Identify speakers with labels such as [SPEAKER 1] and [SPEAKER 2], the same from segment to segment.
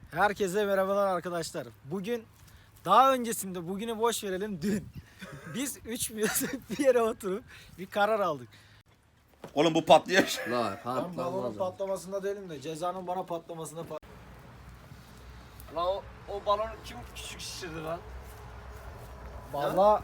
[SPEAKER 1] Herkese merhabalar arkadaşlar. Bugün daha öncesinde bugünü boş verelim dün. Biz üç bir yere oturup bir karar aldık.
[SPEAKER 2] Oğlum bu patlıyor.
[SPEAKER 3] La
[SPEAKER 1] Ben balonun patlamasında değilim de cezanın bana patlamasında
[SPEAKER 3] Lan o balonu kim küçük şişirdi lan?
[SPEAKER 1] Valla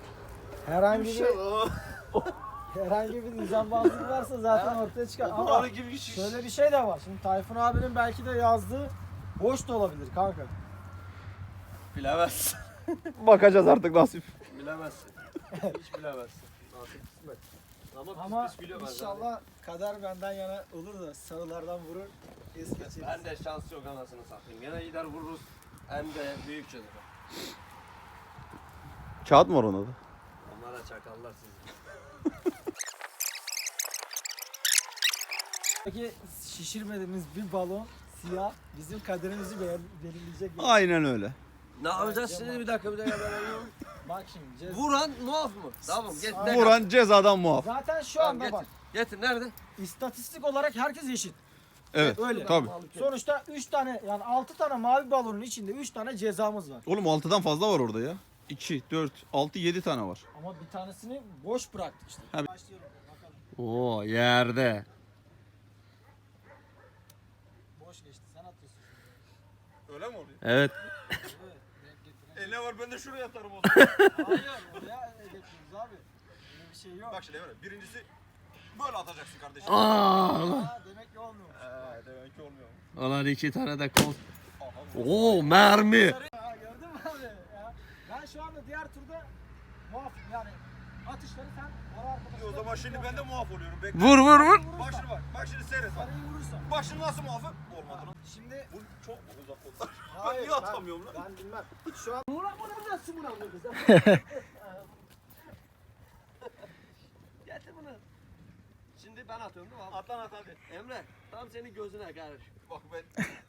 [SPEAKER 1] herhangi bir nizambazlık varsa zaten ortaya çıkar. Ama
[SPEAKER 3] balonu kim küçük
[SPEAKER 1] şöyle bir şey de var. Şimdi Tayfun abinin belki de yazdığı boş da olabilir kanka.
[SPEAKER 3] Bilemezsin.
[SPEAKER 2] Bakacağız artık nasip.
[SPEAKER 3] Bilemezsin. Hiç bilemezsin. Nasip kısmet.
[SPEAKER 1] Ama
[SPEAKER 3] pis biliyor ben
[SPEAKER 1] inşallah kader benden yana olur da sarılardan vurur. Es geçeriz.
[SPEAKER 3] Ben de şans yok anasını satayım. Gene gider vururuz. Hem de büyük çocuk.
[SPEAKER 2] Kağıt mı var ona da?
[SPEAKER 3] Onlara çakallar sizi.
[SPEAKER 1] Peki şişirmediğimiz bir balon siyah bizim kaderimizi belirleyecek.
[SPEAKER 2] Aynen öyle.
[SPEAKER 3] Ne yapacağız şimdi bir dakika ben alıyorum.
[SPEAKER 1] Bak şimdi.
[SPEAKER 3] Vuran muaf mı? Tamam getir.
[SPEAKER 2] Vuran cezadan muaf.
[SPEAKER 1] Zaten şu
[SPEAKER 3] Tamam,
[SPEAKER 1] anda
[SPEAKER 3] getir.
[SPEAKER 1] bak
[SPEAKER 3] Getir nerede?
[SPEAKER 1] istatistik olarak herkes eşit.
[SPEAKER 2] Evet.
[SPEAKER 1] Öyle.
[SPEAKER 2] Tabii.
[SPEAKER 1] Sonuçta 3 tane yani 6 tane mavi balonun içinde 3 tane cezamız var.
[SPEAKER 2] Oğlum 6'dan fazla var orada ya. 2, 4, 6, 7 tane var.
[SPEAKER 1] Ama bir tanesini boş bıraktık işte.
[SPEAKER 2] Ha.
[SPEAKER 1] Başlayalım bakalım.
[SPEAKER 3] Oo yerde.
[SPEAKER 1] Boş geçti. Sen atıyorsun.
[SPEAKER 2] Öyle mi oluyor?
[SPEAKER 3] Evet.
[SPEAKER 2] Ne var ben de şuraya atarım o zaman.
[SPEAKER 1] Hayır oraya getiriyoruz abi. Öyle bir şey yok.
[SPEAKER 2] Bak şimdi Emre birincisi böyle atacaksın kardeşim.
[SPEAKER 1] Demek ki olmuyor.
[SPEAKER 2] Demek ki olmuyor.
[SPEAKER 3] Ulan 2 tane de kol. Oo mermi.
[SPEAKER 1] Ha, gördün mü abi? Ya, ben şu anda diğer turda muafım yani atışları sen ara arkadaşlar.
[SPEAKER 2] O zaman şimdi ben de muaf oluyorum. Bekle.
[SPEAKER 3] Vur vur vur.
[SPEAKER 2] Bak şimdi bak. Bak şimdi seyret bak.
[SPEAKER 1] Sarıyı vurursan.
[SPEAKER 2] Bak şimdi nasıl muafım? Olmadı lan.
[SPEAKER 1] Şimdi
[SPEAKER 2] Bu çok mu uzak oldu?
[SPEAKER 1] hayır,
[SPEAKER 2] niye atamıyorum lan?
[SPEAKER 1] Ben bilmem. Şu an vuracaksın buna vuracağız.
[SPEAKER 3] Getir bunu. Şimdi ben atıyorum değil mi abi?
[SPEAKER 2] At lan at hadi.
[SPEAKER 3] Emre tam senin gözüne kardeşim.
[SPEAKER 2] Bak ben.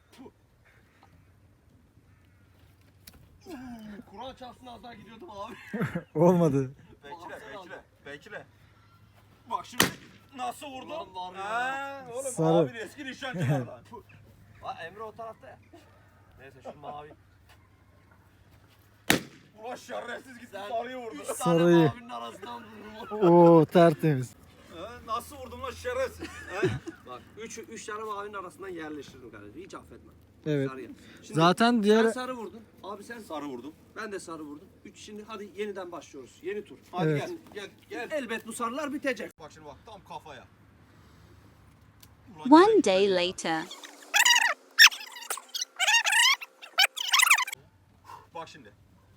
[SPEAKER 3] Kur'an çarpsın az daha gidiyordum abi.
[SPEAKER 1] Olmadı.
[SPEAKER 2] Bekle. Bak şimdi nasıl vurdum?
[SPEAKER 3] Ulan var ya.
[SPEAKER 2] Ha, oğlum
[SPEAKER 1] Sarı.
[SPEAKER 2] abin eski nişancılar lan.
[SPEAKER 3] Ha Emre o tarafta ya. Neyse şu mavi.
[SPEAKER 2] Ulan şerefsiz gitti
[SPEAKER 3] Sen
[SPEAKER 2] sarıyı vurdu.
[SPEAKER 3] 3 tane
[SPEAKER 1] Sarıyı.
[SPEAKER 3] mavinin arasından vururum.
[SPEAKER 1] Oo tertemiz.
[SPEAKER 2] Ha, nasıl vurdum lan şerefsiz?
[SPEAKER 3] Bak 3 tane mavinin arasından yerleştirdim kardeşim. Hiç affetmem.
[SPEAKER 1] Evet.
[SPEAKER 3] Sarıya. Şimdi
[SPEAKER 1] Zaten
[SPEAKER 3] sen
[SPEAKER 1] diğer
[SPEAKER 3] sarı vurdun. Abi sen
[SPEAKER 2] Sarı vurdum.
[SPEAKER 3] ben de sarı vurdum. 3 şimdi hadi yeniden başlıyoruz. Yeni tur.
[SPEAKER 2] Hadi
[SPEAKER 1] Evet.
[SPEAKER 2] gel.
[SPEAKER 3] Elbet bu sarılar bitecek.
[SPEAKER 2] Bak şimdi bak tam kafaya.
[SPEAKER 4] One day later.
[SPEAKER 2] Bak şimdi.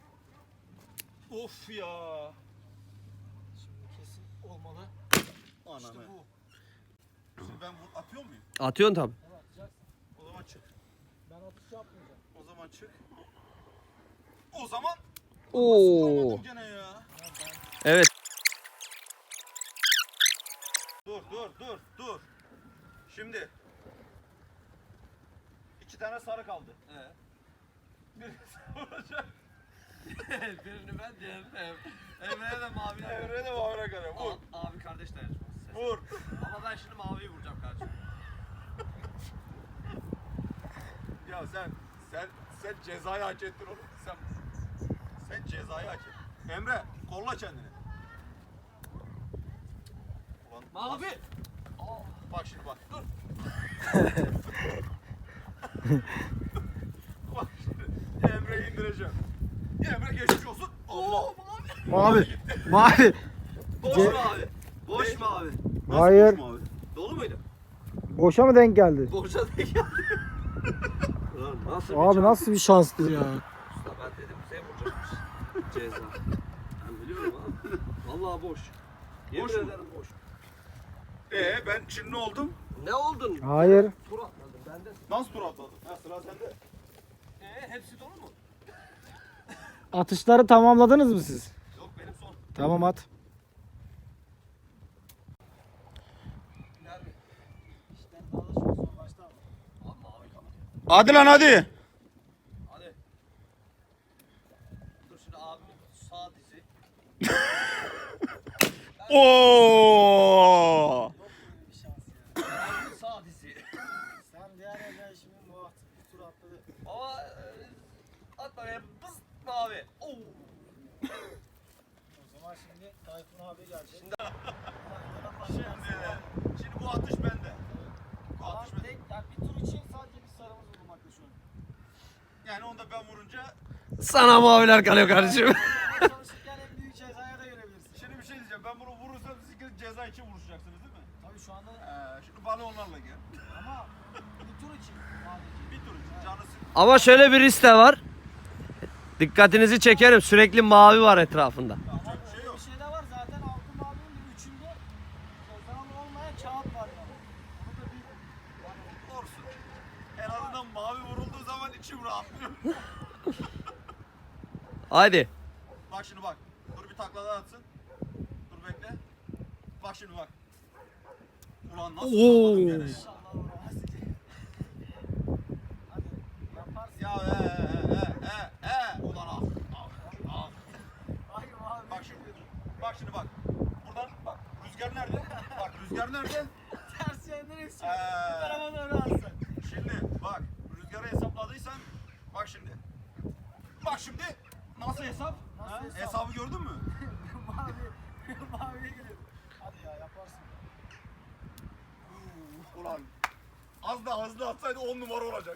[SPEAKER 2] Of ya.
[SPEAKER 1] Şimdi kesin olmalı.
[SPEAKER 2] Ananı.
[SPEAKER 1] İşte bu.
[SPEAKER 2] Şimdi ben atıyor muyum?
[SPEAKER 3] Atıyorsun tabi.
[SPEAKER 1] Evet, atacaksın.
[SPEAKER 2] O zaman çık.
[SPEAKER 1] Ben atış yapmayacağım.
[SPEAKER 2] O zaman çık. O zaman.
[SPEAKER 3] Oo.
[SPEAKER 2] Vuramadım gene ya.
[SPEAKER 3] Evet.
[SPEAKER 2] Dur. Şimdi. 2 tane sarı kaldı. Birisi vuracak.
[SPEAKER 3] Birini ben diğerini Emre'ye de mavi.
[SPEAKER 2] Emre'ye de mavine kalıyor. Vur.
[SPEAKER 3] Abi kardeş dayanışması.
[SPEAKER 2] Vur.
[SPEAKER 3] Ama ben şimdi maviyi vuracağım kardeşim.
[SPEAKER 2] Ya sen cezayı hak ettin oğlum. Sen cezayı hak ettin. Emre kolla kendini. Ulan,
[SPEAKER 3] Mavi.
[SPEAKER 2] bak şimdi bak. Dur. Bak şimdi Emre'yi indireceğim. Emre geçmiş olsun. Allah.
[SPEAKER 1] Mavi. Mavi.
[SPEAKER 3] Boş
[SPEAKER 1] Ce-
[SPEAKER 3] mavi. Boş mavi.
[SPEAKER 1] Hayır.
[SPEAKER 2] Nasıl abi?
[SPEAKER 3] Dolu muydu?
[SPEAKER 1] Boşa mı denk geldi?
[SPEAKER 3] Boşa da geldi. Ulan nasıl
[SPEAKER 1] Abi nasıl bir şanstır ya.
[SPEAKER 3] Usta ben dedim bize vuracakmış. Ceza. Ben biliyorum abi. Vallahi boş. Yemin
[SPEAKER 2] Boş mu?
[SPEAKER 3] ederim boş.
[SPEAKER 2] Ben şimdi ne oldum?
[SPEAKER 3] Ne oldun?
[SPEAKER 1] Hayır.
[SPEAKER 3] Tur atladın. Ben de.
[SPEAKER 2] Nasıl tur atladın? Ha sıra sende.
[SPEAKER 3] Hepsi dolu mu?
[SPEAKER 1] Atışları tamamladınız mı siz?
[SPEAKER 3] Yok benim son.
[SPEAKER 1] Tamam at.
[SPEAKER 3] Nerede? Abi mavi kaldı.
[SPEAKER 2] Hadi lan hadi.
[SPEAKER 3] Hadi. Dur şimdi abimin sağ dizi.
[SPEAKER 2] Oo!
[SPEAKER 3] Abimin sağ dizi.
[SPEAKER 1] Sen diğer evden şimdi muhatap tur atladı.
[SPEAKER 3] Ama at bakayım. Bız mavi. Oo.
[SPEAKER 1] O zaman şimdi Tayfun abi gelecek.
[SPEAKER 2] Şimdi bu atış bende. Bu
[SPEAKER 1] Ama
[SPEAKER 2] atış bende.
[SPEAKER 1] tek, yani bir tur için sadece bir sarımız bulmakta şu an.
[SPEAKER 2] Yani onda ben vurunca
[SPEAKER 3] Sana maviler kalıyor kardeşim.
[SPEAKER 1] Çalışırken en büyük cezaya da görebilirsin.
[SPEAKER 2] şimdi bir şey diyeceğim. Ben bunu vurursam siz ikiniz ceza için vuruşacaksınız değil mi?
[SPEAKER 1] Tabii şu anda
[SPEAKER 2] Şimdi bana onlarla gel.
[SPEAKER 1] ama bir tur için sadece.
[SPEAKER 2] Bir tur için canı sık.
[SPEAKER 3] Ama şöyle bir risk de var. Dikkatinizi çekerim. Sürekli mavi var etrafında.
[SPEAKER 1] Ama
[SPEAKER 2] Yapacak bir şey
[SPEAKER 1] öyle
[SPEAKER 2] yok.
[SPEAKER 1] bir şey de var zaten altın mavinin bir üçünde cezalı olmayan kağıt var yani. Onu da bir
[SPEAKER 2] Olsun. En azından mavi vurulduğu zaman içim rahatlıyor.
[SPEAKER 3] Haydi.
[SPEAKER 2] Bak şimdi bak. Dur bir takla daha atsın. Dur bekle. Bak şimdi bak. Ulan nasıl
[SPEAKER 3] Oo.
[SPEAKER 2] vuramadım gene ya.
[SPEAKER 1] inşallah vuramaz. Hadi yaparsın.
[SPEAKER 2] Ya ulan ah.
[SPEAKER 1] Ay mavi.
[SPEAKER 2] Bak şimdi bak. Buradan bak. Rüzgar nerede? Bak rüzgar nerede?
[SPEAKER 1] Ters yönden esiyor.
[SPEAKER 2] Ee.
[SPEAKER 1] Bu tarafa doğru alsın.
[SPEAKER 2] Şimdi bak. Rüzgarı hesapladıysan bak şimdi. Bak şimdi. Nasıl hesap?
[SPEAKER 1] Nasıl
[SPEAKER 2] Ha?
[SPEAKER 1] hesap?
[SPEAKER 2] Hesabı gördün mü?
[SPEAKER 1] Maviye geliyor. Hadi ya yaparsın.
[SPEAKER 2] Ulan. Az daha hızlı atsaydı 10 numara olacak.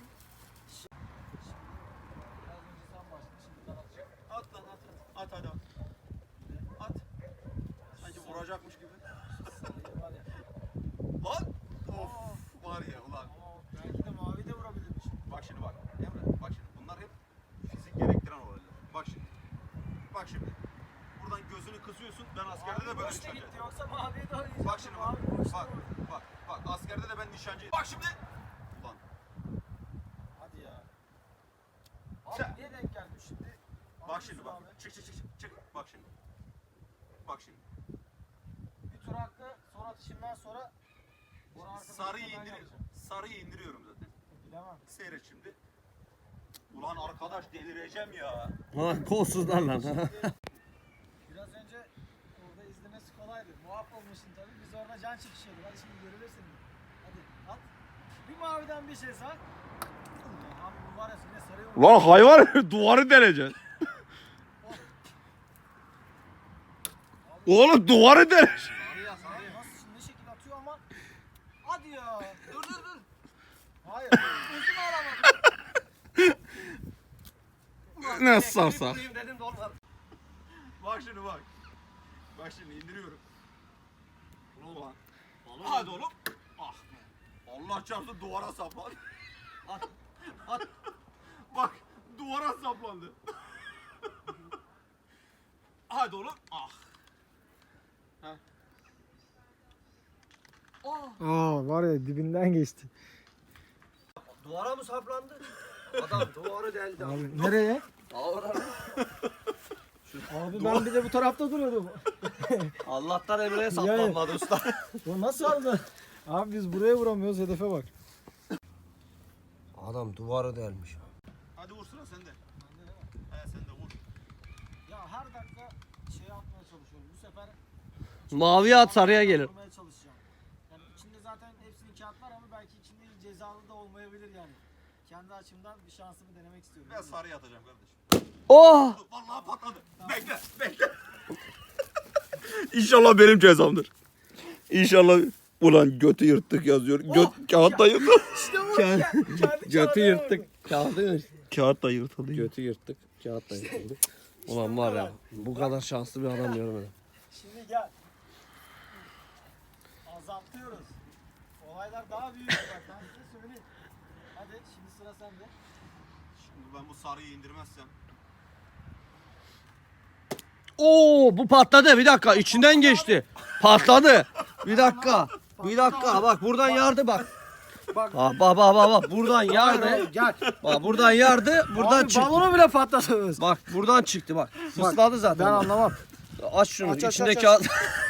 [SPEAKER 1] Biraz önce sen başladın şimdi ben atacağım.
[SPEAKER 2] At lan at. At hadi at. At. Sanki vuracakmış gibi.
[SPEAKER 1] Sayı var ya.
[SPEAKER 2] Lan. Of. Var ya ulan.
[SPEAKER 1] Ama belki de mavi de vurabilirmiş.
[SPEAKER 2] Bak şimdi bak. Emre bak şimdi. Bunlar hep fizik gerektiren olaylar. Bak şimdi. Bak şimdi. Buradan gözünü kısıyorsun. Ben askerde de böyle
[SPEAKER 1] Boşta
[SPEAKER 2] nişancı.
[SPEAKER 1] gitti yoksa maviye de oynayacak.
[SPEAKER 2] Bak şimdi bak.
[SPEAKER 1] Mavi boşta
[SPEAKER 2] Bak.
[SPEAKER 1] vurdu.
[SPEAKER 2] Bak. Askerde de ben nişancıyım. Bak şimdi. Ulan.
[SPEAKER 1] Hadi ya. Abi
[SPEAKER 2] Sen-
[SPEAKER 1] niye denk geldi şimdi?
[SPEAKER 2] Bak şimdi bak.
[SPEAKER 1] Abi.
[SPEAKER 2] Çık. Bak şimdi. Bak şimdi.
[SPEAKER 1] Bir tur hakkı son atışımdan sonra Bora arkadaşımla
[SPEAKER 2] Sarıyı
[SPEAKER 1] ben
[SPEAKER 2] indiriyorum.
[SPEAKER 1] yapacağım.
[SPEAKER 2] Sarıyı indiriyorum zaten.
[SPEAKER 1] Bilemem.
[SPEAKER 2] Seyret şimdi. Ulan arkadaş delireceğim ya.
[SPEAKER 3] Lan kolsuzlar lan.
[SPEAKER 1] Biraz önce orada izlemesi kolaydı. Muaf olmuşsun tabii. Biz orada can çekişiyorduk. Hadi şimdi görebilirsin. Hadi at. Bir maviden bir ceza. Abi bu var ya yine sarıyor.
[SPEAKER 2] Lan hayvan duvarı deleceksin. Oğlum duvarı deleceksin.
[SPEAKER 1] Nasıl şimdi ne şekil atıyor ama. Hadi ya. Dur. Hayır. Uzun alamadım.
[SPEAKER 2] Nasıl sarsak?
[SPEAKER 3] Dedim de olmadı.
[SPEAKER 2] Bak şimdi bak. Bak şimdi indiriyorum. Ulan. Hadi oğlum. Ah be. Allah çarpsın duvara saplan.
[SPEAKER 3] At.
[SPEAKER 2] Bak duvara saplandı. Hadi oğlum. Ah.
[SPEAKER 1] Aa var ya dibinden geçti.
[SPEAKER 3] Duvara mı saplandı? Adam duvarı deldi.
[SPEAKER 1] Abi nereye? Abi ben bir de bu tarafta duruyordum.
[SPEAKER 3] Allah'tan Emre'ye saplanmadı usta.
[SPEAKER 1] Bu nasıl aldı? Abi biz buraya vuramıyoruz hedefe bak.
[SPEAKER 3] Adam duvarı delmiş.
[SPEAKER 2] Hadi vur sıra sende. He sen de vur.
[SPEAKER 1] Ya her dakika şey atmaya çalışıyorum. Bu sefer
[SPEAKER 3] Maviye at sarıya gelir.
[SPEAKER 1] vurmaya çalışacağım. Yani içinde zaten hepsinin kağıt var ama belki içinde cezalı da olmayabilir yani. Kendi açımdan bir şansımı denemek istiyorum.
[SPEAKER 2] Ben sarıya atacağım kardeşim.
[SPEAKER 3] Oh!
[SPEAKER 2] Vallahi patladı. Bekle. İnşallah benim cezamdır. İnşallah. Ulan götü yırttık yazıyor. Kağıt da yırtıldı.
[SPEAKER 1] İşte bu kendi
[SPEAKER 3] Götü yırttık. Kağıdı mı?
[SPEAKER 2] Kağıt da yırtıldı.
[SPEAKER 3] Götü yırttık. Kağıt da yırtıldı. Ulan var ya bu kadar şanslı bir adam görmedim.
[SPEAKER 1] Şimdi gel. Azaltıyoruz. Olaylar daha büyük bak ben size söyleyeyim. Hadi şimdi sıra sende.
[SPEAKER 2] Şimdi ben bu sarıyı indirmezsem.
[SPEAKER 3] Oo bu patladı. Bir dakika içinden geçti. Patladı. Bir dakika. Bak buradan yardı bak.
[SPEAKER 1] Bak.
[SPEAKER 3] Bak buradan yardı.
[SPEAKER 1] Gel.
[SPEAKER 3] Bak buradan yardı. Buradan
[SPEAKER 1] Abi,
[SPEAKER 3] çıktı.
[SPEAKER 1] balonu bile patlatıyoruz.
[SPEAKER 3] Bak buradan çıktı bak. Fısladı zaten.
[SPEAKER 1] Ben anlamam.
[SPEAKER 3] Aç şunu.
[SPEAKER 1] Aç,
[SPEAKER 3] İçinde
[SPEAKER 1] aç.
[SPEAKER 3] kağıt.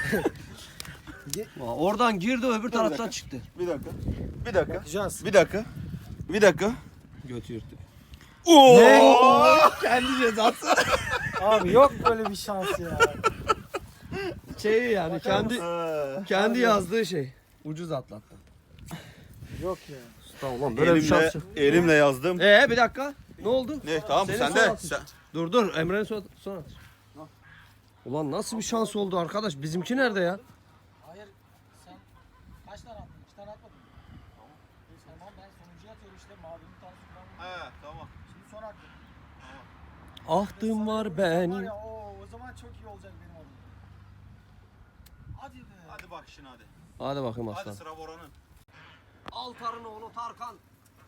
[SPEAKER 3] Bak, oradan girdi öbür taraftan çıktı.
[SPEAKER 2] Bir dakika.
[SPEAKER 1] Bakacağız.
[SPEAKER 2] Bir dakika.
[SPEAKER 3] Götü yırttık.
[SPEAKER 2] Oo! Kendi cezası.
[SPEAKER 1] Abi yok böyle bir şans ya.
[SPEAKER 3] Şey yani kendi yazdığı şey. Ucuz atlattı.
[SPEAKER 1] Yok ya.
[SPEAKER 3] Ulan böyle bir şans.
[SPEAKER 2] Elimle yazdım.
[SPEAKER 3] Bir dakika. Ne oldu?
[SPEAKER 2] Ne tamam
[SPEAKER 3] Senin
[SPEAKER 2] sen
[SPEAKER 3] son
[SPEAKER 2] de.
[SPEAKER 3] atış. Dur Emre'nin son atış. Ulan nasıl bir şans oldu arkadaş? Bizimki nerede ya?
[SPEAKER 1] Hayır sen kaç tane attın? 2 tane atmadın mı? Tamam ben sonuncuya atıyorum işte mavinin tanesi kullanmam.
[SPEAKER 2] He tamam.
[SPEAKER 1] Şimdi son hakkım.
[SPEAKER 3] Ahtım var
[SPEAKER 1] Var
[SPEAKER 3] benim.
[SPEAKER 1] ya o zaman çok iyi olacak benim adım. Hadi be.
[SPEAKER 2] Hadi bak şimdi hadi.
[SPEAKER 3] Hadi bakayım
[SPEAKER 2] Hadi
[SPEAKER 3] aslan.
[SPEAKER 2] sıra Bora'nın.
[SPEAKER 3] Altar'ın oğlu Tarkan.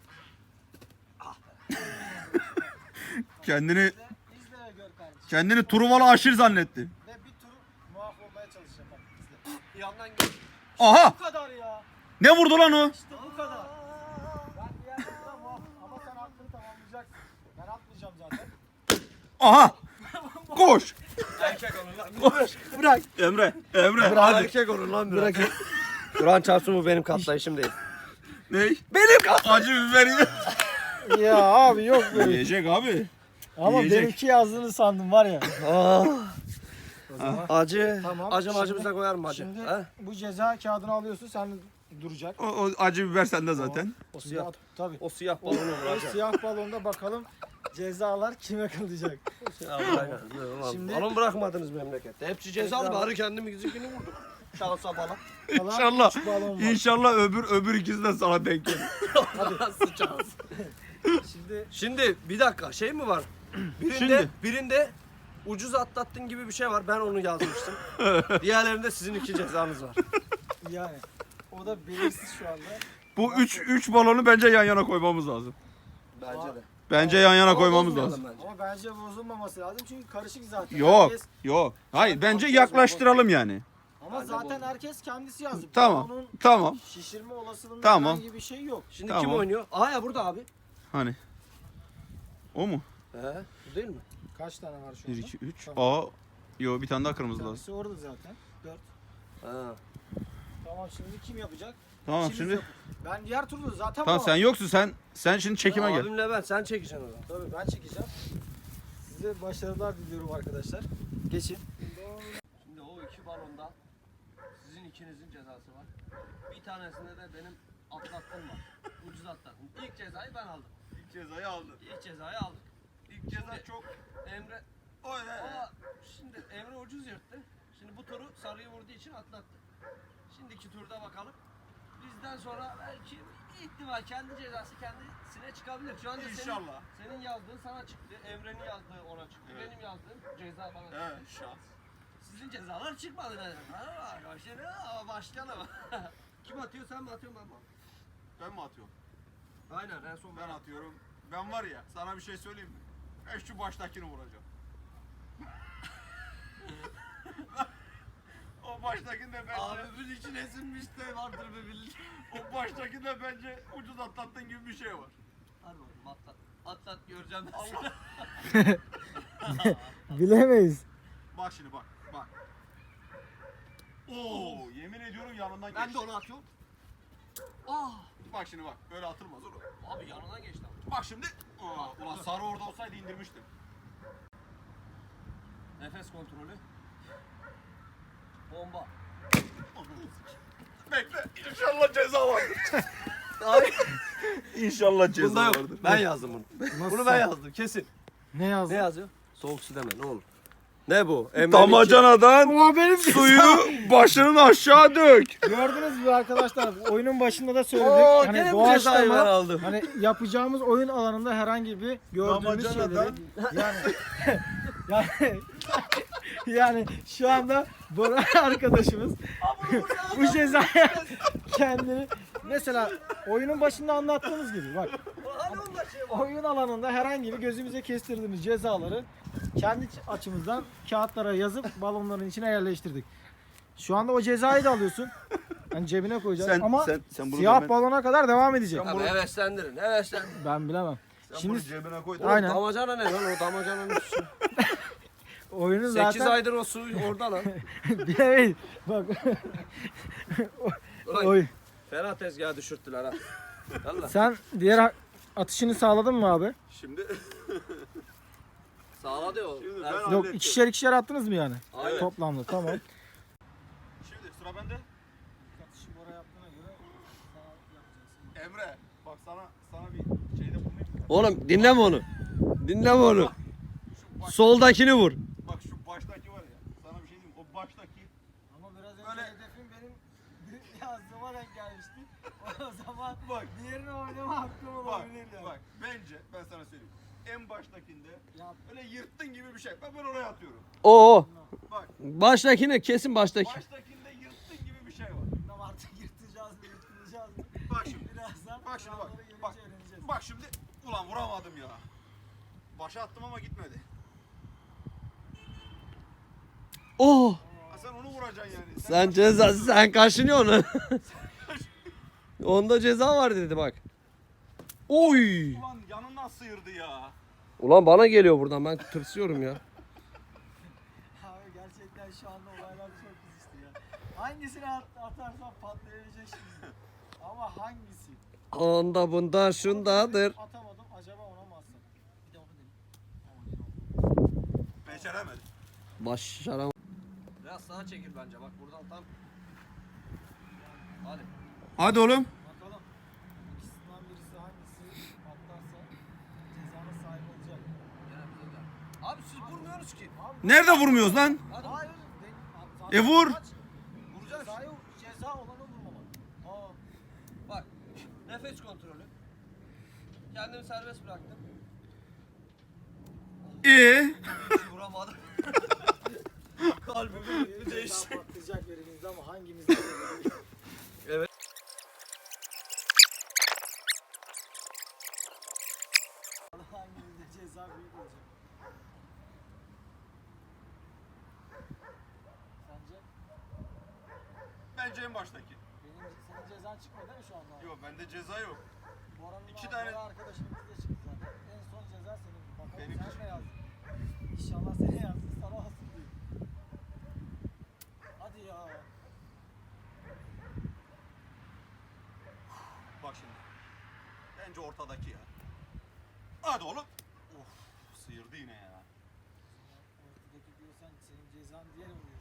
[SPEAKER 2] Kendini
[SPEAKER 1] İzle ve gör kardeşim.
[SPEAKER 2] kendini Truvalı aşır zannetti.
[SPEAKER 1] Ve bir tur muaf olmaya çalışacağım bak izle.
[SPEAKER 3] Bir yandan gel.
[SPEAKER 2] Aha!
[SPEAKER 1] Bu kadar ya.
[SPEAKER 2] Ne vurdu lan o?
[SPEAKER 1] İşte bu kadar. Ben bir yerden sonra muaf ama sen hakkını tamamlayacaksın. Ben atmayacağım zaten.
[SPEAKER 2] Aha! Koş!
[SPEAKER 3] Erkek olun lan.
[SPEAKER 1] Bırak.
[SPEAKER 2] Emre, Emre.
[SPEAKER 3] Hadi. Erkek olun lan biraz. Kur'an çarpsın bu benim katlayışım değil.
[SPEAKER 2] Ney?
[SPEAKER 3] Benim kat.
[SPEAKER 2] Acı biberi.
[SPEAKER 1] Ya abi yok böyle.
[SPEAKER 2] Yiyecek abi.
[SPEAKER 1] Ama
[SPEAKER 2] Yiyecek.
[SPEAKER 1] benimki yazdığını sandım var ya. O zaman
[SPEAKER 3] Acı.
[SPEAKER 1] Tamam,
[SPEAKER 3] Acım
[SPEAKER 1] şimdi-
[SPEAKER 3] acımıza koyar mı acı?
[SPEAKER 1] şimdi
[SPEAKER 3] He?
[SPEAKER 1] bu ceza kağıdını alıyorsun sen duracak.
[SPEAKER 2] O acı biber sende zaten.
[SPEAKER 3] O
[SPEAKER 1] Şimdi
[SPEAKER 3] siyah.
[SPEAKER 1] at- Tabii.
[SPEAKER 3] O siyah
[SPEAKER 1] O,
[SPEAKER 3] balonu
[SPEAKER 1] o
[SPEAKER 3] vuracak.
[SPEAKER 1] siyah balonda bakalım cezalar kime kalacak.
[SPEAKER 3] Aynen.
[SPEAKER 1] Şimdi-
[SPEAKER 3] Balon bırakmadınız memlekette. Hepsi cezalı bari kendimizinkini vurduk. Şansa bala.
[SPEAKER 1] Kalan
[SPEAKER 2] İnşallah.
[SPEAKER 1] üç balon var.
[SPEAKER 2] İnşallah öbür ikisi de sana denk gelir.
[SPEAKER 3] Sıçarız.
[SPEAKER 1] Şimdi
[SPEAKER 3] Şimdi bir dakika şey mi var? Birinde ucuz atlattın gibi bir şey var. Ben onu yazmıştım. Diğerlerinde sizin iki cezanız var.
[SPEAKER 1] yani o da belirsiz şu anda.
[SPEAKER 2] Bu üç balonu bence yan yana koymamız lazım.
[SPEAKER 3] Bence de.
[SPEAKER 2] Bence yan yana
[SPEAKER 3] Ama
[SPEAKER 2] koymamız
[SPEAKER 3] bozmayalım
[SPEAKER 2] lazım.
[SPEAKER 3] bence.
[SPEAKER 1] Ama bence bozulmaması lazım çünkü karışık zaten.
[SPEAKER 2] Yok,
[SPEAKER 1] Herkes-
[SPEAKER 2] yok. Hayır, bence yaklaştıralım yani.
[SPEAKER 1] ama
[SPEAKER 3] Bence
[SPEAKER 1] zaten
[SPEAKER 3] bozulur.
[SPEAKER 1] herkes kendisi yazdı.
[SPEAKER 2] Tamam,
[SPEAKER 1] Onun
[SPEAKER 2] tamam.
[SPEAKER 1] şişirme olasılığında
[SPEAKER 2] Tamam.
[SPEAKER 1] herhangi bir şey yok.
[SPEAKER 3] Şimdi
[SPEAKER 2] Tamam.
[SPEAKER 3] kim oynuyor? Aha ya burada abi.
[SPEAKER 2] Hani? O mu?
[SPEAKER 3] Bu değil mi?
[SPEAKER 1] Kaç tane var şu
[SPEAKER 2] 1,
[SPEAKER 1] anda?
[SPEAKER 2] 2, 3.
[SPEAKER 1] Tamam.
[SPEAKER 2] Yo bir tane daha kırmızı lazım.
[SPEAKER 1] Tanesi orada zaten. 4.
[SPEAKER 3] Ha.
[SPEAKER 1] Tamam şimdi kim yapacak?
[SPEAKER 2] Tamam
[SPEAKER 1] İkimiz
[SPEAKER 2] şimdi.
[SPEAKER 1] yapın. Ben diğer turda zaten
[SPEAKER 2] Tamam
[SPEAKER 1] bu-
[SPEAKER 2] sen yoksun sen şimdi çekime gel.
[SPEAKER 3] Abimle ben sen çekeceksin o zaman.
[SPEAKER 1] Tabii ben çekeceğim. Size başarılar diliyorum arkadaşlar. Geçin.
[SPEAKER 3] Şimdi o iki balonda sizin ikinizin cezası var. Bir tanesinde de benim atlattım var. Ucuz atlattım. İlk cezayı ben aldım.
[SPEAKER 2] İlk cezayı aldın.
[SPEAKER 3] İlk cezayı aldık.
[SPEAKER 2] İlk ceza çok.
[SPEAKER 3] Emre ama şimdi Emre ucuz yırttı. Şimdi bu turu sarıyı vurduğu için atlattı. Şimdiki turda bakalım. Bizden sonra belki ihtimal kendi cezası kendisine çıkabilir. Şu anda
[SPEAKER 2] İnşallah.
[SPEAKER 3] senin yazdığın sana çıktı. Emre'nin yazdığı ona çıktı.
[SPEAKER 2] Evet.
[SPEAKER 3] Benim yazdığım ceza bana çıktı.
[SPEAKER 2] Evet şans.
[SPEAKER 3] Sizin cezalar çıkmadı dedim. Başlayalım. Kim atıyor sen mi atıyorsun ben mi?
[SPEAKER 2] Ben mi atıyorum?
[SPEAKER 3] Aynen en son
[SPEAKER 2] Ben atıyorum. Ben var ya sana bir şey söyleyeyim mi? Ben şu baştakini vuracağım. O baştakini de bence,
[SPEAKER 3] Abimin içine sinmiş de vardır bir bildiğin.
[SPEAKER 2] o baştakini de bence ucuz atlattığın gibi bir şey var.
[SPEAKER 3] Hadi bakalım atlat. Atlat göreceğim ben
[SPEAKER 2] Allah.
[SPEAKER 1] Bilemeyiz.
[SPEAKER 2] Bak şimdi bak. Oo, yemin ediyorum yanından geçti.
[SPEAKER 3] Ben de onu atıyorum. Ah!
[SPEAKER 2] Bak şimdi bak. Böyle atılmaz oğlum.
[SPEAKER 3] Abi yanına geçti ama.
[SPEAKER 2] Bak şimdi. Ulan sarı orada olsaydı indirmiştim.
[SPEAKER 3] Nefes kontrolü. Bomba.
[SPEAKER 2] Bekle. İnşallah ceza vardır.
[SPEAKER 3] Abi.
[SPEAKER 2] İnşallah ceza
[SPEAKER 3] Bunda yok.
[SPEAKER 2] vardır.
[SPEAKER 3] Ben yazdım bunu. Bunu ben yazdım kesin.
[SPEAKER 1] Ne yazdın?
[SPEAKER 3] Ne yazıyor? Soğuk su deme ne olur. Ne bu?
[SPEAKER 2] Damacanadan
[SPEAKER 1] Oha benim
[SPEAKER 2] suyu başının aşağı dök.
[SPEAKER 1] Gördünüz mü arkadaşlar? Oyunun başında da söyledik.
[SPEAKER 3] Oo,
[SPEAKER 1] hani
[SPEAKER 3] gene bu cezayı ben
[SPEAKER 1] doğaçlama
[SPEAKER 3] aldım.
[SPEAKER 1] hani yapacağımız oyun alanında herhangi bir gördüğümüz
[SPEAKER 2] Damacanadan-
[SPEAKER 1] şeyleri yani yani şu anda Bora arkadaşımız bu cezaya kendini mesela oyunun başında anlattığımız gibi bak oyun alanında herhangi bir gözümüze kestirdiğimiz cezaları kendi açımızdan kağıtlara yazıp balonların içine yerleştirdik. Şu anda o cezayı da alıyorsun. Hani cebine koyacaksın ama
[SPEAKER 2] sen bunu
[SPEAKER 1] siyah
[SPEAKER 2] hemen-
[SPEAKER 1] balona kadar devam edecek.
[SPEAKER 3] Abi heveslendirin heveslendirin.
[SPEAKER 1] Ben bilemem.
[SPEAKER 2] Sen
[SPEAKER 1] Şimdi
[SPEAKER 2] bunu cebine koy.
[SPEAKER 1] Aynen. Aynen.
[SPEAKER 3] Damacana ne lan o damacananın üstü.
[SPEAKER 1] oyunu
[SPEAKER 3] 8
[SPEAKER 1] zaten
[SPEAKER 3] aydır o su orada lan.
[SPEAKER 1] bilemeyiz. Bak
[SPEAKER 3] Ulan
[SPEAKER 1] oy.
[SPEAKER 3] fena tezgaha düşürttüler ha. Valla.
[SPEAKER 1] Sen diğer atışını sağladın mı abi?
[SPEAKER 2] Şimdi
[SPEAKER 3] Sağladı o.
[SPEAKER 2] Şimdi
[SPEAKER 3] Ben-
[SPEAKER 2] ben-
[SPEAKER 1] Yok
[SPEAKER 2] Hallettim.
[SPEAKER 1] ikişer attınız mı yani?
[SPEAKER 3] Aynen.
[SPEAKER 1] Toplamda tamam.
[SPEAKER 2] Şimdi sıra bende.
[SPEAKER 1] Atışı Bora yaptığına göre
[SPEAKER 2] Emre bak sana bir şeyde bulunayım mı?
[SPEAKER 3] Oğlum dinleme onu. Dinleme onu.
[SPEAKER 2] Şu baş,
[SPEAKER 3] Soldakini vur.
[SPEAKER 2] bak şu baştaki var ya. Sana bir şey diyeyim. O baştaki
[SPEAKER 1] Ama biraz önce
[SPEAKER 2] Böyle-
[SPEAKER 1] hedefim benim yazdığıma denk gelmişti. O zaman
[SPEAKER 2] Bak.
[SPEAKER 1] diğerini oynama hakkım
[SPEAKER 2] bak
[SPEAKER 1] olabilir yani.
[SPEAKER 2] bak bence ben sana söyleyeyim. En baştakinde
[SPEAKER 1] Ya
[SPEAKER 2] öyle yırttın gibi bir şey. Ben oraya atıyorum.
[SPEAKER 3] Oo.
[SPEAKER 2] Bak
[SPEAKER 3] Baştakini kesin baştaki.
[SPEAKER 2] baştakinde yırttın gibi bir şey var.
[SPEAKER 1] bilmem artık yırtacağız mı yırtılacağız mı?
[SPEAKER 2] Bak şimdi.
[SPEAKER 1] Birazdan
[SPEAKER 2] Bak şimdi bak.
[SPEAKER 1] kuralları gelince
[SPEAKER 2] Bak.
[SPEAKER 1] öğreneceğiz.
[SPEAKER 2] Bak şimdi. Ulan vuramadım ya. Başa attım ama gitmedi.
[SPEAKER 3] Oo.
[SPEAKER 2] Ha sen onu vuracaksın yani.
[SPEAKER 3] Sen ceza, sen kaşınıyorsun onu. Onda ceza var dedi bak. Oy.
[SPEAKER 2] Ulan yanından sıyırdı ya.
[SPEAKER 3] Ulan bana geliyor buradan, ben tırsıyorum ya.
[SPEAKER 1] Abi gerçekten şu anda olaylar çok kızıştı ya. Hangisini atarsan patlayabilecek şimdi. Ama hangisi?
[SPEAKER 3] Onda bunda şundadır.
[SPEAKER 1] Atamadım acaba ona mı atsam? Bir de onu deneyim.
[SPEAKER 2] Beceremedim.
[SPEAKER 3] Başaram. Biraz sağa çekil bence, bak buradan tam. Hadi.
[SPEAKER 2] Hadi oğlum.
[SPEAKER 1] Bakalım. İkisinden birisi hangisi patlarsa cezanın sahibi olacak.
[SPEAKER 3] Abi siz vurmuyorsunuz ki.
[SPEAKER 1] Abi,
[SPEAKER 2] Nerede vurmuyoruz lan?
[SPEAKER 3] Hadi.
[SPEAKER 1] hayır.
[SPEAKER 2] E vur.
[SPEAKER 3] Vuracağız.
[SPEAKER 1] Ceza olanı vurmamak. Aa,
[SPEAKER 3] Bak. Nefes kontrolü. Kendimi serbest bıraktım. Hiç vuramadım. Kalbimi
[SPEAKER 1] ceza
[SPEAKER 3] değişti.
[SPEAKER 1] patlayacak birimizde ama hangimizde?
[SPEAKER 3] Evet.
[SPEAKER 1] Hangimizde ceza büyük olacak? Sence?
[SPEAKER 2] Bence en baştaki.
[SPEAKER 1] Senin cezan çıkmadı değil mi şu anda?
[SPEAKER 2] Yok bende ceza yok.
[SPEAKER 1] Boran'ın
[SPEAKER 2] İki tane-
[SPEAKER 1] arkadaşımız da çıktı zaten. En son ceza senin. Bakalım
[SPEAKER 2] Benim
[SPEAKER 1] sen
[SPEAKER 2] için.
[SPEAKER 1] ne yazdın? İnşallah seni yazdın, sana olsun diye. Hadi ya.
[SPEAKER 2] Bak şimdi. Bence ortadaki ya. Hadi oğlum. Of sıyırdı yine ya.
[SPEAKER 1] Ortadaki diyorsan senin cezan diğer oluyor.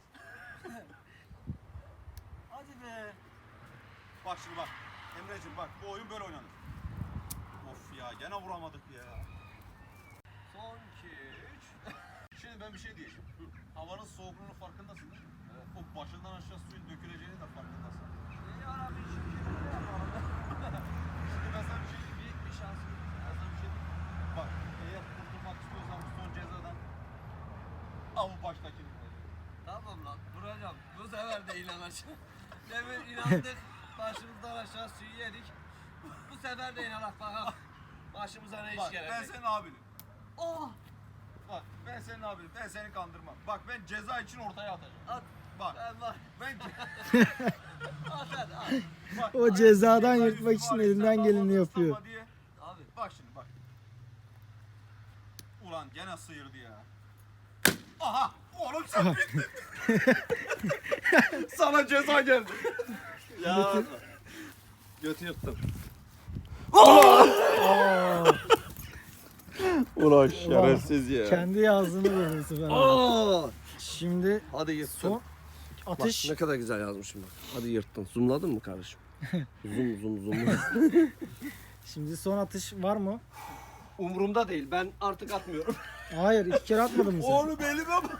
[SPEAKER 1] Hadi be.
[SPEAKER 2] Bak şimdi bak. Emreciğim bak bu oyun böyle oynanır. Of ya gene vuramadık ya.
[SPEAKER 3] Son 2, 3.
[SPEAKER 2] Şimdi ben bir şey diyeceğim. Havanın soğukluğunun farkındasın değil mi? Evet. O başından aşağı suyun döküleceğini de farkındasın.
[SPEAKER 3] Ya Rabbi şükür.
[SPEAKER 2] Şimdi ben sana bir şey diyeyim.
[SPEAKER 3] Büyük bir şansım.
[SPEAKER 2] Ben sana bir şey diyeyim. Bak eğer kurtulmak istiyorsan bu son cezadan al bu baştakini.
[SPEAKER 3] Tamam lan, vuracağım. Bu sefer de inanacağım. Demin inandık, başımızdan aşağı suyu yedik. Bu sefer de inanak bakalım. Başımıza ne iş
[SPEAKER 2] Bak ben
[SPEAKER 3] gelecek.
[SPEAKER 2] senin abinim.
[SPEAKER 3] Oh!
[SPEAKER 2] Bak ben senin abinim. Ben seni kandırmam. Bak ben ceza için ortaya atacağım.
[SPEAKER 3] At.
[SPEAKER 2] Bak
[SPEAKER 3] Ben var.
[SPEAKER 2] ben
[SPEAKER 3] At hadi at.
[SPEAKER 2] bak,
[SPEAKER 1] O cezadan
[SPEAKER 2] ceza
[SPEAKER 1] yırtmak
[SPEAKER 2] yüzü
[SPEAKER 1] için
[SPEAKER 2] var,
[SPEAKER 1] elinden
[SPEAKER 2] sen
[SPEAKER 1] geleni
[SPEAKER 2] damadını
[SPEAKER 1] yapıyor.
[SPEAKER 2] ıslatma diye.
[SPEAKER 3] Abi.
[SPEAKER 2] Bak şimdi bak. Ulan gene sıyırdı ya. Aha! Oğlum sen bittin. Sana ceza geldi.
[SPEAKER 3] Ya. Götü yırttım.
[SPEAKER 2] Ulan
[SPEAKER 1] şerefsiz
[SPEAKER 2] ya.
[SPEAKER 1] Kendi yazdığını vurursun ben.
[SPEAKER 3] Aa!
[SPEAKER 1] Şimdi
[SPEAKER 3] Hadi yırttın.
[SPEAKER 1] son
[SPEAKER 3] Bak
[SPEAKER 1] atış.
[SPEAKER 3] ne kadar güzel yazmışım bak. Hadi yırttın. Zoomladın mı kardeşim? Zoom.
[SPEAKER 1] Şimdi son atış var mı?
[SPEAKER 3] Umurumda değil. Ben artık atmıyorum.
[SPEAKER 1] Hayır, 2 kere atmadın mı sen?
[SPEAKER 2] Oğlum elime bak.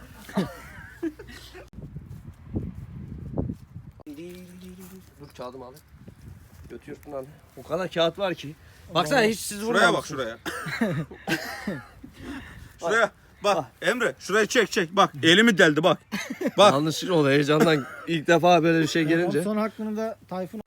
[SPEAKER 3] Dur kağıdımı al. Götü yırttın hadi. O kadar kağıt var ki. Baksana hiç siz
[SPEAKER 2] Şuraya bak
[SPEAKER 3] vurmamışsınız.
[SPEAKER 2] şuraya. Şuraya. Bak Emre şurayı çek bak elimi deldi bak. Bak.
[SPEAKER 3] Yanlışlıkla oldu heyecandan ilk defa böyle bir şey gelince.
[SPEAKER 1] Son hakkını da Tayfun.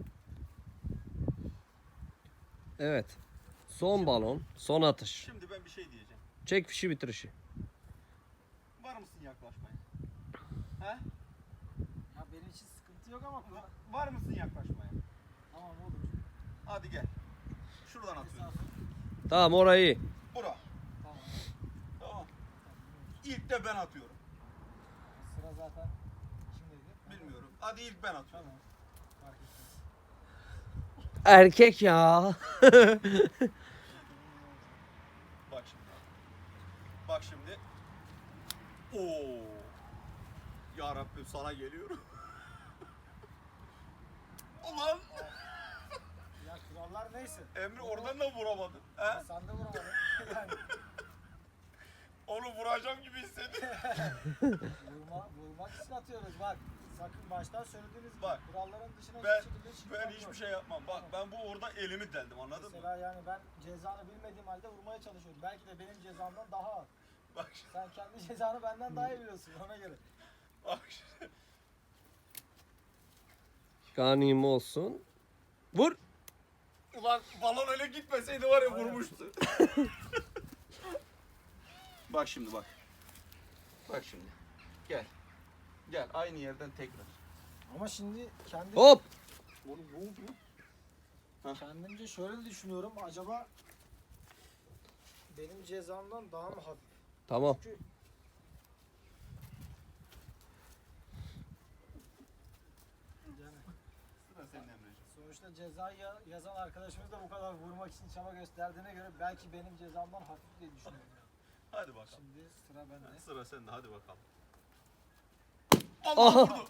[SPEAKER 3] Evet. Son balon, son atış.
[SPEAKER 2] Şimdi ben bir şey diyeceğim.
[SPEAKER 3] Çek fişi bitir işi.
[SPEAKER 2] Var mısın yaklaşmaya? He?
[SPEAKER 1] Ya benim için sıkıntı yok ama
[SPEAKER 2] Var mısın yaklaşmaya?
[SPEAKER 1] tamam olur.
[SPEAKER 2] Hadi gel. Şuradan atıyorum.
[SPEAKER 3] Tamam orayı iyi.
[SPEAKER 2] Bura.
[SPEAKER 1] Tamam.
[SPEAKER 2] Tamam. İlk de ben atıyorum.
[SPEAKER 1] Sıra zaten kimdeydi?
[SPEAKER 2] Bilmiyorum. Hadi ilk ben atıyorum.
[SPEAKER 1] Tamam. Fark etmez.
[SPEAKER 3] Erkek ya.
[SPEAKER 2] Bak şimdi. Bak şimdi. Oo. Ya Rabbim sana geliyorum. Ulan.
[SPEAKER 1] Ya kuralı Onlar neyse.
[SPEAKER 2] Emre oradan da vuramadın. He?
[SPEAKER 1] Sen de vuramadın. Yani
[SPEAKER 2] Onu vuracağım gibi hissediyorum.
[SPEAKER 1] vurmak için atıyoruz bak. Sakın baştan söylediğiniz gibi
[SPEAKER 2] Bak,
[SPEAKER 1] kuralların dışına
[SPEAKER 2] Ben
[SPEAKER 1] hiçbir şekilde çıkmak
[SPEAKER 2] ben
[SPEAKER 1] yok.
[SPEAKER 2] hiçbir şey yapmam. Bak ben bu orada elimi deldim, anladın mı?
[SPEAKER 1] Mesela yani ben cezanı bilmediğim halde vurmaya çalışıyorum. Belki de benim cezamdan daha az.
[SPEAKER 2] Bak şimdi.
[SPEAKER 1] Sen kendi cezanı benden daha iyi biliyorsun ona göre.
[SPEAKER 2] Bak şimdi.
[SPEAKER 4] Ganim olsun. Vur.
[SPEAKER 2] Ulan balon öyle gitmeseydi var ya vurmuştu. Bak şimdi bak. Bak şimdi. Gel. Gel aynı yerden tekrar.
[SPEAKER 1] Ama şimdi kendi
[SPEAKER 4] Hop.
[SPEAKER 2] Oğlum ne oldu?
[SPEAKER 1] kendimce şöyle düşünüyorum. Acaba benim cezamdan daha mı hafif?
[SPEAKER 4] Tamam.
[SPEAKER 1] Çünkü yani
[SPEAKER 2] Sıra senin Emre'ciğim.
[SPEAKER 1] sonuçta cezayı yazan arkadaşımız da bu kadar vurmak için çaba gösterdiğine göre belki benim cezamdan hafif diye düşünüyorum. Yani.
[SPEAKER 2] Hadi bakalım.
[SPEAKER 1] Şimdi sıra bende.
[SPEAKER 2] Sıra sende, hadi bakalım.
[SPEAKER 4] Aha.
[SPEAKER 2] Allah vurdu.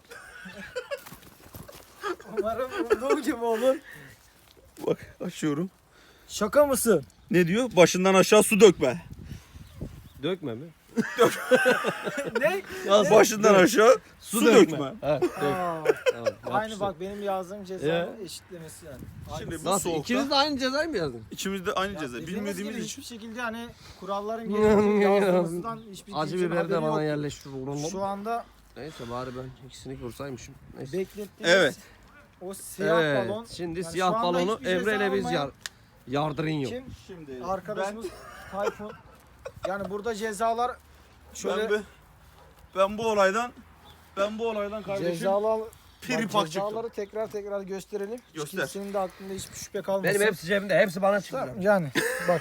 [SPEAKER 1] Umarım vurduğum gibi olur.
[SPEAKER 2] Bak açıyorum.
[SPEAKER 1] Şaka mısın?
[SPEAKER 2] Ne diyor? Başından aşağı su dökme.
[SPEAKER 4] Dökme mi?
[SPEAKER 1] Ne?
[SPEAKER 2] Başından aşağı su dökme.
[SPEAKER 4] Ha, dök.
[SPEAKER 1] Aa,
[SPEAKER 4] Tamam,
[SPEAKER 1] aynı
[SPEAKER 4] yapıştır.
[SPEAKER 1] bak benim yazdığım cezanın eşitlemesi yani.
[SPEAKER 2] Şimdi
[SPEAKER 1] Aynısı.
[SPEAKER 2] bu
[SPEAKER 4] Nasıl?
[SPEAKER 2] soğukta
[SPEAKER 4] İkiniz de aynı cezayı mı yazdın?
[SPEAKER 2] İkimiz de aynı
[SPEAKER 1] Ya
[SPEAKER 2] ceza.
[SPEAKER 1] dediğimiz
[SPEAKER 2] Bilmediğimiz
[SPEAKER 1] gibi
[SPEAKER 2] için.
[SPEAKER 1] hiçbir şekilde hani kuralların gereği yazılmasından hiçbir
[SPEAKER 4] Acı
[SPEAKER 1] kimsenin
[SPEAKER 4] biberi de
[SPEAKER 1] haberi
[SPEAKER 4] bana
[SPEAKER 1] yok.
[SPEAKER 4] yerleştir oğlum.
[SPEAKER 1] Şu anda
[SPEAKER 4] Neyse bari ben ikisini vursaymışım. Neyse.
[SPEAKER 1] beklettiğimiz
[SPEAKER 2] Evet.
[SPEAKER 1] o siyah
[SPEAKER 4] Evet.
[SPEAKER 1] balon.
[SPEAKER 4] Şimdi
[SPEAKER 1] yani
[SPEAKER 4] siyah
[SPEAKER 1] şu anda
[SPEAKER 4] balonu
[SPEAKER 1] hiçbir ceza
[SPEAKER 4] Emre ile biz
[SPEAKER 1] almayan
[SPEAKER 4] yardırın
[SPEAKER 1] Kim?
[SPEAKER 2] Şimdi
[SPEAKER 1] Arkadaşımız Tayfun. Yani burada cezalar şöyle
[SPEAKER 2] ben bu olaydan kardeşim
[SPEAKER 1] cezalar
[SPEAKER 2] piripak
[SPEAKER 1] cezaları tekrar gösterelim.
[SPEAKER 2] Göster.
[SPEAKER 1] Kimsenin de aklında hiçbir şüphe kalmasın.
[SPEAKER 4] Benim hepsi cebimde. Hepsi bana çıktı.
[SPEAKER 1] Yani bak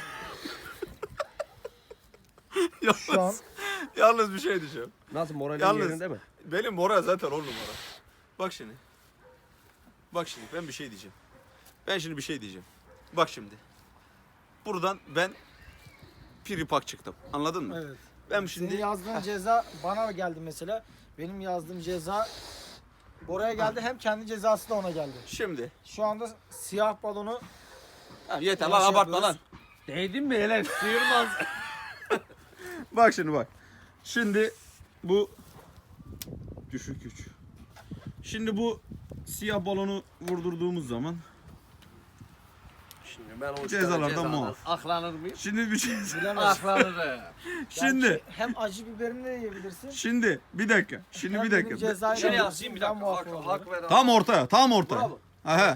[SPEAKER 2] çıktı.
[SPEAKER 1] şu an
[SPEAKER 2] Yalnız bir şey diyeceğim.
[SPEAKER 4] Nasıl moralin
[SPEAKER 2] Yalnız-
[SPEAKER 4] yerinde mi?
[SPEAKER 2] Benim moral zaten 10 numara. Bak şimdi. Bak şimdi ben bir şey diyeceğim. Ben şimdi bir şey diyeceğim. Bak şimdi. Buradan ben piripak çıktım. Anladın mı?
[SPEAKER 1] evet.
[SPEAKER 2] Ben
[SPEAKER 1] Senin
[SPEAKER 2] şimdi
[SPEAKER 1] yazdığın ceza bana geldi mesela. Benim yazdığım ceza Bora'ya geldi. Hem kendi cezası da ona geldi.
[SPEAKER 2] şimdi
[SPEAKER 1] Şu anda siyah balonu
[SPEAKER 2] ha, yeter
[SPEAKER 1] Nasıl
[SPEAKER 2] lan abartma
[SPEAKER 1] yapıyoruz?
[SPEAKER 2] lan.
[SPEAKER 4] Değdin mi hele? Sıyırmaz.
[SPEAKER 2] Bak şimdi bak. Şimdi bu düşük güç. Şimdi bu siyah balonu vurdurduğumuz zaman
[SPEAKER 4] Şimdi ben o
[SPEAKER 2] Cezalardan muaf.
[SPEAKER 4] Aklanır mıyım?
[SPEAKER 2] şimdi bir şey
[SPEAKER 1] bilemez.
[SPEAKER 4] Aklanır.
[SPEAKER 2] şimdi
[SPEAKER 1] Gerçi hem acı biberini de yiyebilirsin.
[SPEAKER 2] şimdi bir dakika. Şimdi
[SPEAKER 1] hem
[SPEAKER 2] bir
[SPEAKER 1] benim
[SPEAKER 2] dakika.
[SPEAKER 1] cezayla
[SPEAKER 4] Şöyle
[SPEAKER 1] yiyebilirsin,
[SPEAKER 4] yazayım bir
[SPEAKER 1] ben
[SPEAKER 4] dakika.
[SPEAKER 1] muaf
[SPEAKER 4] Hak,
[SPEAKER 1] olurum.
[SPEAKER 4] hak ver.
[SPEAKER 2] Tam ortaya, tam ortaya.
[SPEAKER 4] Bravo.
[SPEAKER 2] Aha.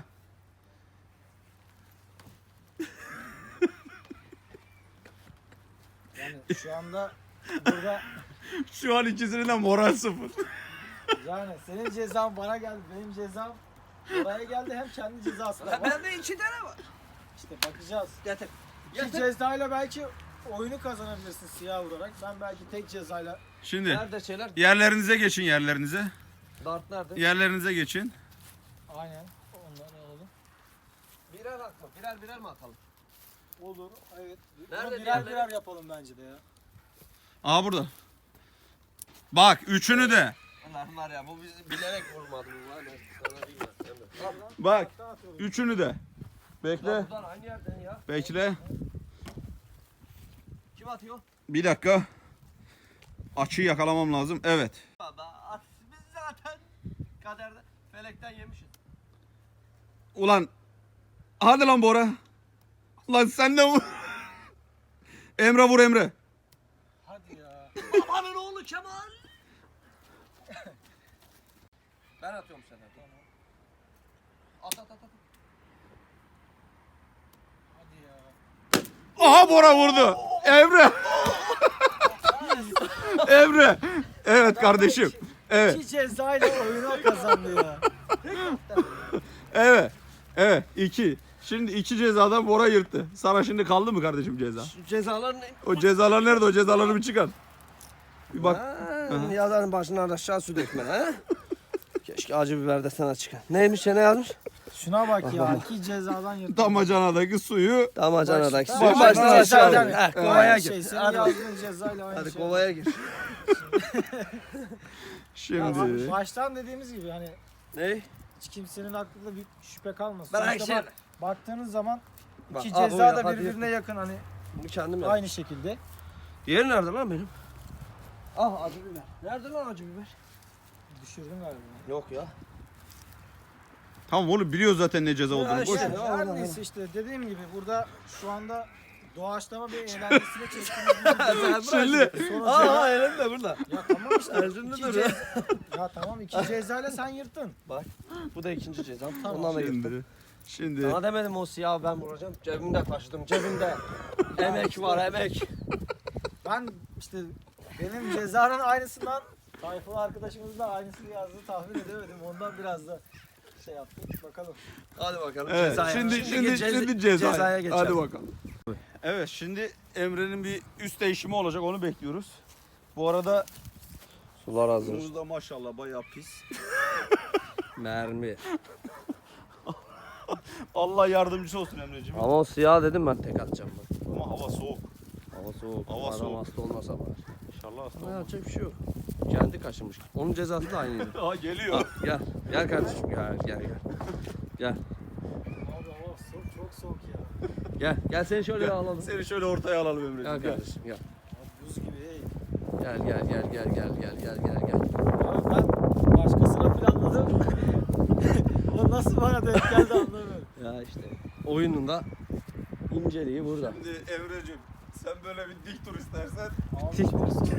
[SPEAKER 1] Yani şu anda burada
[SPEAKER 2] Şu an ikisinin de moral sıfır.
[SPEAKER 1] yani senin cezan bana geldi. Benim cezam Bora'ya geldi. Hem kendi cezası da var.
[SPEAKER 3] Bende 2 tane var.
[SPEAKER 1] İşte bakacağız.
[SPEAKER 3] Getir.
[SPEAKER 1] İki
[SPEAKER 3] Getir.
[SPEAKER 1] cezayla belki oyunu kazanabilirsin siyah vurarak. Ben belki tek cezayla.
[SPEAKER 2] Şimdi
[SPEAKER 3] Nerede şeyler?
[SPEAKER 2] yerlerinize geçin yerlerinize.
[SPEAKER 3] Dart nerede?
[SPEAKER 2] Yerlerinize geçin.
[SPEAKER 1] Aynen. Onları alalım.
[SPEAKER 3] Birer atma. Birer mi atalım?
[SPEAKER 1] Olur. Evet.
[SPEAKER 3] Nerede
[SPEAKER 1] Bunu birer
[SPEAKER 3] diğerleri?
[SPEAKER 1] birer yapalım bence de ya.
[SPEAKER 2] Aa burada. Bak üçünü de.
[SPEAKER 3] Allah'ım var ya bu bizi bilerek vurmadı bu var ya. Sana değil ya. Emre.
[SPEAKER 2] Bak
[SPEAKER 1] Daha atıyorum.
[SPEAKER 2] üçünü de. Bekle.
[SPEAKER 3] Lan buradan aynı yerden ya.
[SPEAKER 2] Bekle.
[SPEAKER 3] Kim atıyor?
[SPEAKER 2] Bir dakika. Açıyı yakalamam lazım. Evet.
[SPEAKER 3] Baba biz zaten kaderde felekten yemişiz.
[SPEAKER 2] Ulan. Hadi lan Bora. Lan sen de vur. Emre vur Emre.
[SPEAKER 1] Hadi ya.
[SPEAKER 3] Babanın oğlu Kemal. Ben atıyorum sana. At.
[SPEAKER 1] Hadi ya.
[SPEAKER 2] Aha Bora vurdu. Emre. Emre. Evet kardeşim. Evet.
[SPEAKER 1] İki cezayla oyunu kazandı ya.
[SPEAKER 2] Evet. Evet. 2. Şimdi 2 cezadan Bora yırttı. Sana şimdi kaldı mı kardeşim ceza?
[SPEAKER 3] Şu cezalar ne?
[SPEAKER 2] O cezalar nerede? O cezaları bir çıkar. Bir bak.
[SPEAKER 3] Yazarın başına aşağı su dökme ha. Keşke acı biber de sana çıkan. Neymiş ya ne yazmış?
[SPEAKER 1] Şuna bak ya. İki cezadan yırttı.
[SPEAKER 2] Damacanadaki suyu
[SPEAKER 3] Damacanadaki
[SPEAKER 1] Baş-
[SPEAKER 3] suyu
[SPEAKER 1] baş-
[SPEAKER 3] baştan
[SPEAKER 1] baş-
[SPEAKER 3] aşağı
[SPEAKER 1] baş-
[SPEAKER 3] dök.
[SPEAKER 1] baş-
[SPEAKER 3] Kovaya
[SPEAKER 1] Aynı
[SPEAKER 3] gir.
[SPEAKER 1] şey, senin
[SPEAKER 3] Hadi,
[SPEAKER 1] yazdığın cezayla aynı
[SPEAKER 3] hadi
[SPEAKER 1] şey.
[SPEAKER 3] kovaya gir.
[SPEAKER 2] şimdi.
[SPEAKER 1] Baştan dediğimiz gibi hani
[SPEAKER 3] Ne?
[SPEAKER 1] hiç kimsenin aklında bir şüphe kalmasın.
[SPEAKER 3] Ben
[SPEAKER 1] Sonuçta
[SPEAKER 3] Ayşe.
[SPEAKER 1] bak, baktığınız zaman
[SPEAKER 4] Bak,
[SPEAKER 1] iki
[SPEAKER 4] abi
[SPEAKER 1] ceza
[SPEAKER 4] o
[SPEAKER 1] da
[SPEAKER 4] yapar
[SPEAKER 1] birbirine
[SPEAKER 4] diye.
[SPEAKER 1] yakın hani
[SPEAKER 4] Bunu kendim yaptım.
[SPEAKER 1] aynı şekilde.
[SPEAKER 4] Diğeri nerede lan benim? Ah acı biber. Nerede lan acı biber?
[SPEAKER 1] Düşürdüm galiba.
[SPEAKER 4] Yok ya.
[SPEAKER 2] Tamam oğlum biliyor zaten ne ceza olduğunu.
[SPEAKER 4] Ya
[SPEAKER 2] Boş
[SPEAKER 4] işte.
[SPEAKER 2] ver.
[SPEAKER 1] Yani
[SPEAKER 4] Allah
[SPEAKER 1] her
[SPEAKER 4] Allah.
[SPEAKER 1] neyse işte dediğim gibi burada şu anda doğaçlama bir eğlencesine çektiğimiz bir
[SPEAKER 2] Söyle.
[SPEAKER 1] Sonra
[SPEAKER 4] Aa elim de burada.
[SPEAKER 1] ya tamam işte.
[SPEAKER 4] Elim de
[SPEAKER 1] iki
[SPEAKER 4] burada.
[SPEAKER 1] ya tamam iki cezayla sen yırttın.
[SPEAKER 4] Bak bu da ikinci cezam.
[SPEAKER 1] Tamam.
[SPEAKER 4] Ondan da yırttım.
[SPEAKER 2] Şimdi
[SPEAKER 4] Sana demedim o siyahı ben vuracağım. Cebimde taşıdım cebimde. Emek var emek.
[SPEAKER 1] Ben işte benim cezanın aynısından Tayfun arkadaşımız da aynısını yazdığı tahmin edemedim. Ondan biraz da şey yaptık. Bakalım.
[SPEAKER 4] Hadi bakalım
[SPEAKER 2] evet,
[SPEAKER 4] cezaya.
[SPEAKER 2] şimdi ceza.
[SPEAKER 4] cezaya geçelim.
[SPEAKER 2] Hadi bakalım. Evet şimdi Emre'nin bir üst değişimi olacak onu bekliyoruz. Bu arada
[SPEAKER 4] Sular hazır.
[SPEAKER 2] suyumuz da maşallah bayağı pis.
[SPEAKER 4] Mermi.
[SPEAKER 2] Allah yardımcısı olsun Emre'ciğim.
[SPEAKER 4] Ama o siyah dedim ben tek atacağım bak.
[SPEAKER 2] Ama hava soğuk.
[SPEAKER 4] Hava soğuk.
[SPEAKER 2] Hava
[SPEAKER 4] Adam
[SPEAKER 2] soğuk.
[SPEAKER 4] hasta olmasa var.
[SPEAKER 2] İnşallah hasta
[SPEAKER 4] Ama
[SPEAKER 2] olmaz.
[SPEAKER 4] yapacak bir şey yok. Kendi kaşınmış. Onun cezası da aynıydı.
[SPEAKER 2] Aa geliyor.
[SPEAKER 4] Gel. Gel kardeşim gel. Gel.
[SPEAKER 1] Abi hava soğuk, çok soğuk ya.
[SPEAKER 4] Gel seni şöyle bir alalım.
[SPEAKER 2] Seni şöyle ortaya alalım
[SPEAKER 4] Gel
[SPEAKER 2] Emre'ciğim. Gel.
[SPEAKER 4] kardeşim gel.
[SPEAKER 1] Abi buz gibi hey.
[SPEAKER 4] Gel.
[SPEAKER 1] Abi ben başkasına planladım. O nasıl bana denk geldi anlamıyorum.
[SPEAKER 4] Ya işte oyunun da inceliği burada.
[SPEAKER 2] Şimdi Emre'ciğim sen böyle bir dik dur istersen.
[SPEAKER 1] Abi
[SPEAKER 4] Tik.
[SPEAKER 1] çok soğuk.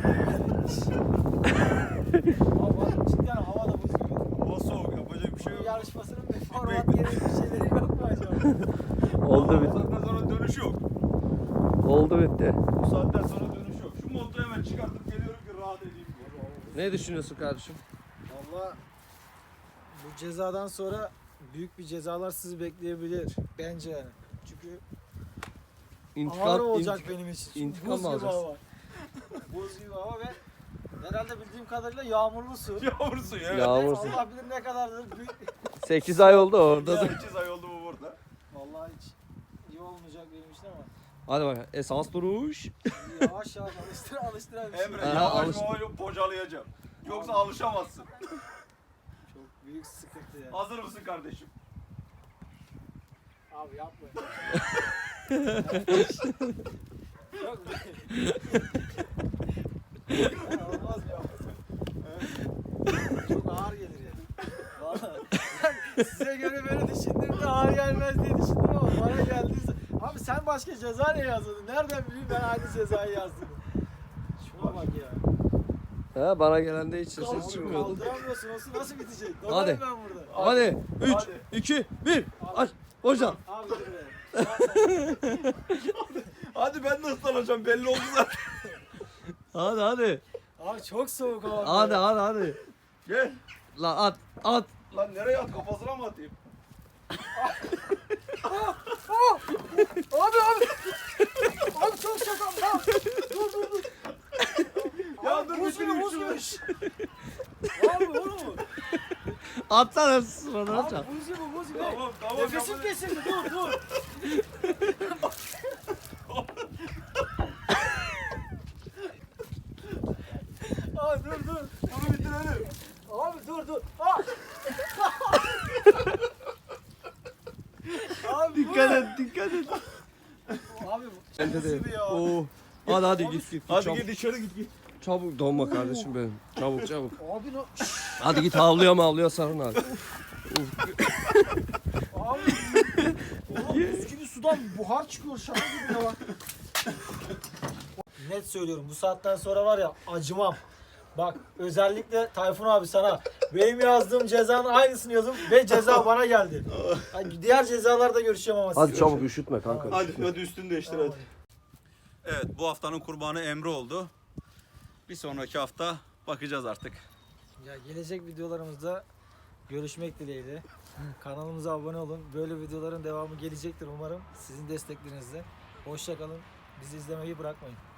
[SPEAKER 1] Abi cidden hava da buz gibi.
[SPEAKER 2] Hava soğuk yapacak bir şey
[SPEAKER 1] Bu
[SPEAKER 2] yok.
[SPEAKER 1] yarışmasının bir format yeri bir şeyleri yok mu acaba?
[SPEAKER 4] Oldu
[SPEAKER 2] Bu
[SPEAKER 4] bitti.
[SPEAKER 2] saatten sonra dönüş yok.
[SPEAKER 4] Oldu bitti.
[SPEAKER 2] Bu saatten sonra dönüş yok. Şu montu hemen çıkartıp geliyorum ki rahat edeyim diye.
[SPEAKER 4] Ne düşünüyorsun kardeşim?
[SPEAKER 1] Valla bu cezadan sonra büyük bir cezalar sizi bekleyebilir bence yani. Çünkü ağır olacak benim için. Çünkü
[SPEAKER 4] intikam
[SPEAKER 1] buz
[SPEAKER 4] mı
[SPEAKER 1] gibi
[SPEAKER 4] alacaksın?
[SPEAKER 1] hava. Buz gibi hava ve herhalde bildiğim kadarıyla yağmurlu su.
[SPEAKER 2] Yağmur suyu evet.
[SPEAKER 4] Yağmur
[SPEAKER 1] Evet,
[SPEAKER 4] suyu.
[SPEAKER 1] Allah bilir ne kadardır.
[SPEAKER 4] 8 ay oldu orada da.
[SPEAKER 2] 8 ay oldu bu burada.
[SPEAKER 1] Vallahi hiç iyi olmayacak benim için ama
[SPEAKER 4] Hadi bakalım. Esas duruş.
[SPEAKER 1] yavaş yavaş alıştıra bir şey.
[SPEAKER 2] Emre
[SPEAKER 4] Aha,
[SPEAKER 2] yavaş
[SPEAKER 4] alış-
[SPEAKER 2] yavaş bocalayacağım. Yoksa alışamazsın.
[SPEAKER 1] Çok büyük sıkıntı ya.
[SPEAKER 2] Hazır mısın kardeşim?
[SPEAKER 1] Abi yapma. Yok be. Ya olmaz ya. Çok ağır gelir ya. Vallahi. Ben size göre böyle düşündüm de ağır gelmez diye düşündüm ama bana geldiyse. Abi sen başka ceza ne yazdın? Nereden bileyim ben aynı cezayı yazdım. Şuna bak ya.
[SPEAKER 4] Ha bana gelen de hiç ses
[SPEAKER 1] Kaldır-
[SPEAKER 4] çıkmıyordu.
[SPEAKER 1] Kaldıramıyorsun. Nasıl bitecek?
[SPEAKER 4] Hadi.
[SPEAKER 1] Dolarım ben burada.
[SPEAKER 4] Hadi 3
[SPEAKER 2] Hadi.
[SPEAKER 4] 2 1 aç hocam.
[SPEAKER 1] Abi dur be.
[SPEAKER 2] Hadi ben de ıslanacağım belli oldu zaten.
[SPEAKER 4] Hadi.
[SPEAKER 1] Abi çok soğuk hava.
[SPEAKER 4] Hadi.
[SPEAKER 2] Gel.
[SPEAKER 4] La at.
[SPEAKER 2] Lan nereye at kafasına mı atayım?
[SPEAKER 1] Abi. Abi çok şaka. Dur.
[SPEAKER 2] Ya dur
[SPEAKER 1] buz
[SPEAKER 2] bitireyim
[SPEAKER 1] gibi,
[SPEAKER 2] şunu.
[SPEAKER 1] buz gibi. Abi oğlum.
[SPEAKER 4] Atsana sıranı
[SPEAKER 1] Abi
[SPEAKER 4] hocam.
[SPEAKER 1] buz gibi.
[SPEAKER 2] Tamam.
[SPEAKER 1] Nefesim
[SPEAKER 2] yapalım.
[SPEAKER 1] kesildi. Dur. Abi dur.
[SPEAKER 2] Bunu bitirelim.
[SPEAKER 1] Abi dur. Ah! Abi
[SPEAKER 4] Dikkat et.
[SPEAKER 1] Abi bu
[SPEAKER 4] Bende
[SPEAKER 1] şaka
[SPEAKER 4] de.
[SPEAKER 1] gibi ya.
[SPEAKER 4] Oo. Hadi git.
[SPEAKER 2] Hadi
[SPEAKER 4] çabuk.
[SPEAKER 2] git dışarı git.
[SPEAKER 4] Çabuk donma kardeşim benim. Çabuk.
[SPEAKER 1] Abi no.
[SPEAKER 4] Hadi git havlıyor sarın abi.
[SPEAKER 1] Abi. Oğlum buz gibi sudan buhar çıkıyor şaka gibi ya bak. Net söylüyorum bu saatten sonra var ya acımam. Bak özellikle Tayfun abi sana benim yazdığım cezanın aynısını yazdım ve ceza bana geldi. Yani diğer cezalarda görüşeceğim ama
[SPEAKER 4] Hadi
[SPEAKER 1] siz
[SPEAKER 4] çabuk üşütme kanka.
[SPEAKER 2] Hadi üstünü değiştir
[SPEAKER 1] Tamam.
[SPEAKER 2] hadi. Evet bu haftanın kurbanı Emre oldu. Bir sonraki hafta bakacağız artık.
[SPEAKER 1] Ya gelecek videolarımızda görüşmek dileğiyle. Kanalımıza abone olun. Böyle videoların devamı gelecektir umarım. Sizin desteklerinizle. Hoşça kalın. Bizi izlemeyi bırakmayın.